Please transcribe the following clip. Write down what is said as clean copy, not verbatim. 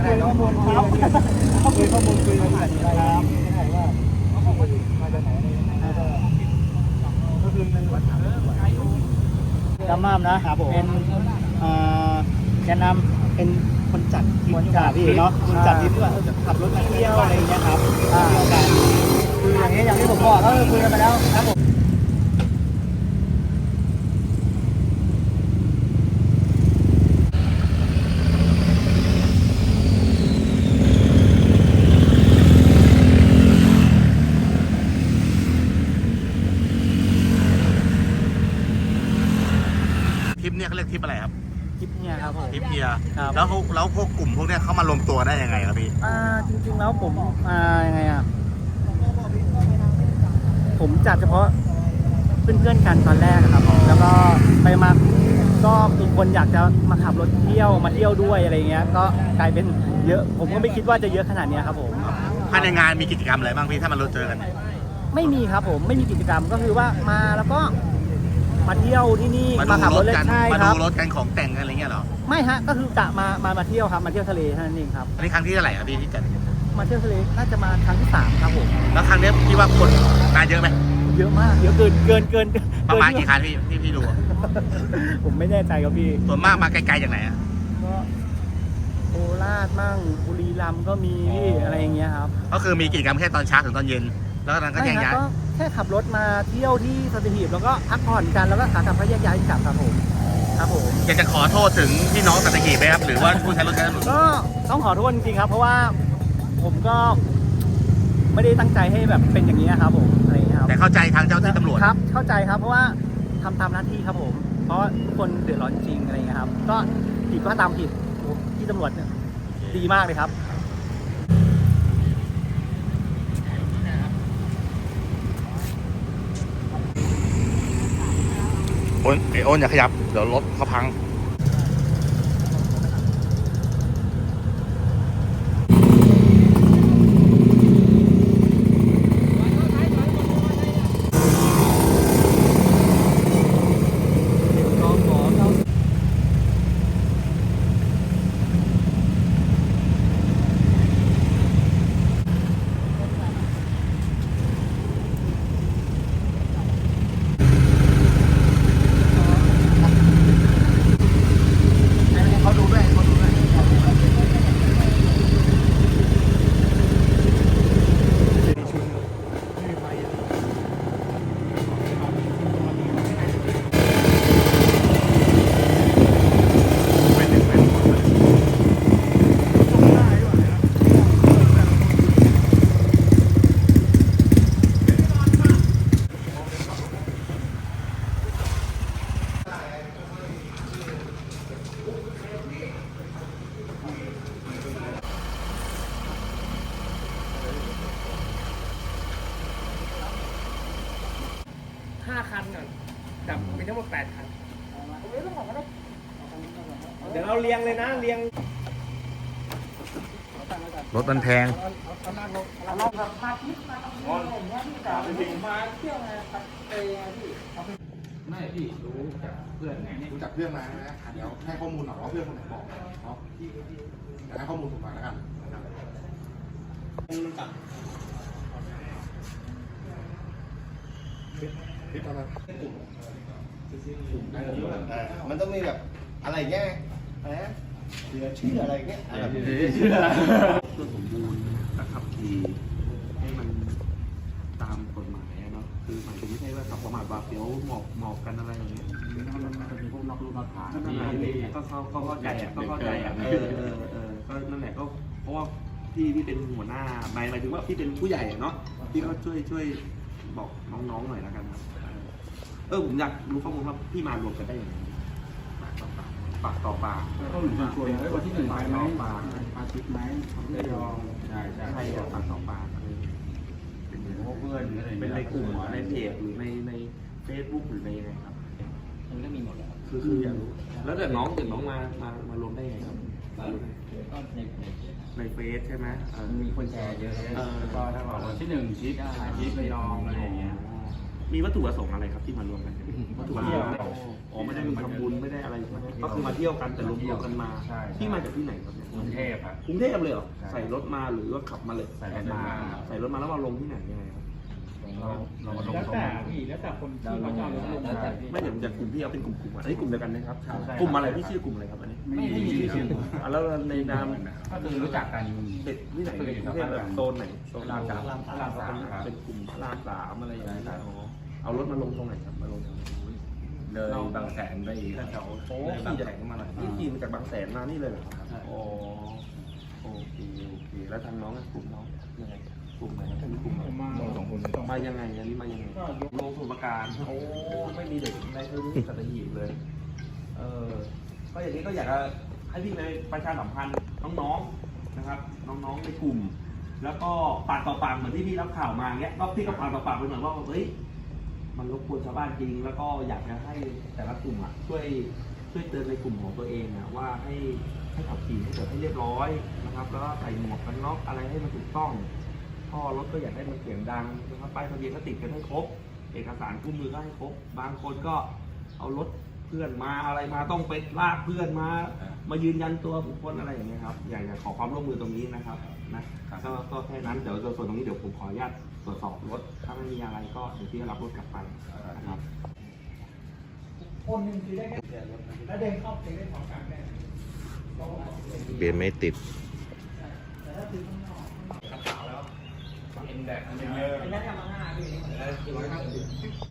คุยข้อมูลครับคุยข้อมูลคุยกันครับไม่ได้ว่ามาจากไหนอะไรยังไงก็คือจำม่ามนะครับเป็นแกนนำเป็นคนจัดคนจัดพี่เนาะคนจัดที่เพื่อขับรถเที่ยวอะไรอย่างเงี้ยครับคืออย่างนี้อย่างที่ผมบอกก็คุยกันไปแล้วครับผมทริปเนี่ยเขาเรียกทริปอะไรครับทริปเนี่ยครับผมทริปเฮียครับแล้วพวกกลุ่มพวกเนี้ยเขามารวมตัวได้ยังไงครับพี่จริงๆแล้วผมยังไงอ่ะผมจัดเฉพาะเพื่อนๆกันตอนแรกครับแล้วก็ไปมาก็มีคนอยากจะมาขับรถเที่ยวมาเที่ยวด้วยอะไรเงี้ยก็กลายเป็นเยอะผมก็ไม่คิดว่าจะเยอะขนาดนี้ครับผมภายในงานมีกิจกรรมอะไรบ้างพี่ถ้ามันรวมเจอกันไม่มีครับผมไม่มีกิจกรรมก็คือว่ามาแล้วก็มาเที่ยวที่นี่มามาขับดูรรถถเล่กันนใช่มาคดูรับรถกันของแต่งกันอะไรเงี้ยเหรอไม่ฮะก็คือกะมาเที่ยวครับมาเที่ยวทะเลเท่านั้นเองครับอันนี้ครั้งที่เท่าไหร่ครับพี่ที่จัดมาเที่ยวทะเลน่าจะมาครั้งที่3ครับผมแล้วครั้งเนี้ยพี่ว่าคนงานเยอะไหมเยอะมากเยอะเกินประมาณกี่คันพี่ดูอะผมไม่แน่ใจครับพี่ส่วนมากมาไกลๆจากไหนอะก็โคราชมั่งบุรีรัมย์ก็มีพี่อะไรอย่างเงี้ยครับก็คือมีกิจกรรมแค่ตอนเช้าถึงตอนเย็นแล้วก็นั้นก็แยกไม่ย้ายก็แค่ขับรถมาเที่ยวที่สัตหีบแล้วก็พักผ่อนกันแล้วก็ขากลับก็แยกย้ายกลับครับผมครับผมอยากจะขอโทษถึงพี่น้องสัตหีบไหมครับหรือว่าผู้ใช้รถใช้ถนนก็ต้องขอโทษจริงๆครับ เพราะว่าผมก็ไม่ได้ตั้งใจให้แบบเป็นอย่างนี้ครับผมอะไรอย่างเงี้ยครับแต่เข้าใจทางเจ้าที่ตำรวจครับเข้าใจครับเพราะว่าทำตามหน้าที่ครับผม เพราะว่าทุกคนเดือดร้อนจริงอะไรอย่างเงี้ยครับก็ผิดก็ตามผิดที่ตำรวจเนี่ยดีมากเลยครับโอนอย่าขยับเดี๋ยวรถเขาพังเขาดูด้วยเขาดูด้วย 5 คันก่อนจับมีทั้งหมด8 คันเดี๋ยวเราเรียงเลยนะเรียงรถมันแพงเราแบบพาทิพย์มาทำอะไรอย่างเงี้ยพี่กามาเที่ยวไงไปพี่ไม่พี่รู้จากเพื่อนไงรู้จักเพื่อนมาใช่ไหมเดี๋ยวให้ข้อมูลหน่อยว่าเพื่อนคนไหนบอกเนาะให้ข้อมูลผมมาแล้วกันมันต้องมีแบบอะไรเงี้ยอะไรนะเหลือชื่ออะไรเงี้ยอะไรแบบนี้เพื่อสมบูรณ์และขับขี่ให้มันตามกฎหมายเนาะคือหมายถึงไม่ใช่ว่าขับประมาทบาปเดี๋ยวหมอบกันอะไรอย่างเงี้ยมันจะมีพวกนอกลู่นอกทางที่ก็เข้าใจอ่ะก็เข้าใจอ่ะก็นั่นแหละก็เพราะว่าพี่เป็นหัวหน้าหมายถึงว่าพี่เป็นผู้ใหญ่เนาะพี่ก็ช่วยบอกน้องๆหน่อยแล้วกันครับผมอยากรู้ข้อมูลว่าพี่มารวมกันได้ยังไงปากต่อปากก็เหมือนชวนๆวันที่1ไปไหมอาทิตย์ไหมไม่ยอมใช่ปากต่อปากเป็นเพื่อนเป็นในกลุ่มในเพจหรือในเฟซบุ๊กหรือในยังไงครับมันก็มีหมดแล้วคืออยากรู้แล้วเกิดน้องมารวมได้ยังไงครับก็ในเฟซใช่ไหมมีคนแชร์เยอะก็ถ้าบอกวันที่1ชิปชิประยองอะไรอย่างเงี้ยมีวัตถุประสงค์อะไรครับที่มารวมกันวัตถุประสงค์อ๋อไม่ได้มีทำบุญไม่ได้อะไรก็คือมาเที่ยวกันแต่รวมกันมาที่มาจากที่ไหนครับเนี่ยกรุงเทพครับกรุงเทพเลยเหรอใส่รถมาหรือว่าขับมาเลยใส่รถมาใส่รถมาแล้วมาลงที่ไหนยังไงครับเรามาลงแล้วตรงแต่นั้นพี่แล้วแต่คนที่เขาจะเอารถลงไม่เดี๋ยวจากกลุ่มที่เอาเป็นกลุ่มอันนี้กลุ่มเดียวกันนะครับกลุ่มอะไรที่ชื่อกลุ่มอะไรครับอันนี้ไม่มีชื่อแล้วในนามก็คือรู้จักกันเด็กที่ไหนในกรุงเทพแบบโซนไหนโซนรามสามเป็นกลุ่มพระรามสามอะไรอย่างเงี้ยอ๋อเอารถมาลงตรงไหนครับมาลงเลยบางแสนไปอีกแถวโอ้ขี่จากมาหน่อยนี่ขี่มาจากบางแสนมานี่เลยเหรอครับอ๋อโอเคแล้วทางน้องกลุ่มน้องยังไงกลุ่มไหนเป็นกลุ่มไหน มายังไงอันนี้มายังไงลงสมุทรปราการโอ้ไม่มีเด็กในพื้นที่สัตหีบเลย ก็อย่างนี้ก็อยากจะให้พี่ในประชาสัมพันธ์น้องๆนะครับ น้องๆในกลุ่ม แล้วก็ปากต่อปากเหมือนที่พี่รับข่าวมาเงี้ยก็พี่ก็ปากต่อปากไปเหมือนว่าเฮ้ยมันรบกวนชาวบ้านจริง แล้วก็อยากจะให้แต่ละกลุ่มอ่ะช่วยเตือนในกลุ่มของตัวเองอ่ะว่าให้ขับขี่ให้เกิดให้เรียบร้อยนะครับ แล้วก็ใส่หมวกกันน็อกอะไรให้มันถูกต้องท่อรถก็อยากให้มันเสียงดังนะครับป้ายทะเบียนก็ติดกันให้ครบ เอกสารคู่มือก็ให้ครบบางคนก็เอารถเพื่อนมาอะไรมาต้องไปลากเพื่อนมายืนยันตัวบุคคลอะไรอย่างเงี้ยครับอยากจะขอความร่วมมือตรงนี้นะครับนะก็แค่นั้นเดี๋ยวส่วนตรงนี้เดี๋ยวผมขออนุญาตตรวจสอบรถถ้าไม่มีอะไรก็เดี๋ยวพี่รับรถกลับไปนะครับคนหนึ่งคือได้แค่แล้วเดินเข้าไปได้พร้อมกันแน่เบียนไม่ติดแต่ถ้าซื้อข้างนอกเอ็นแดกไอ้นั่นทำมา5พี่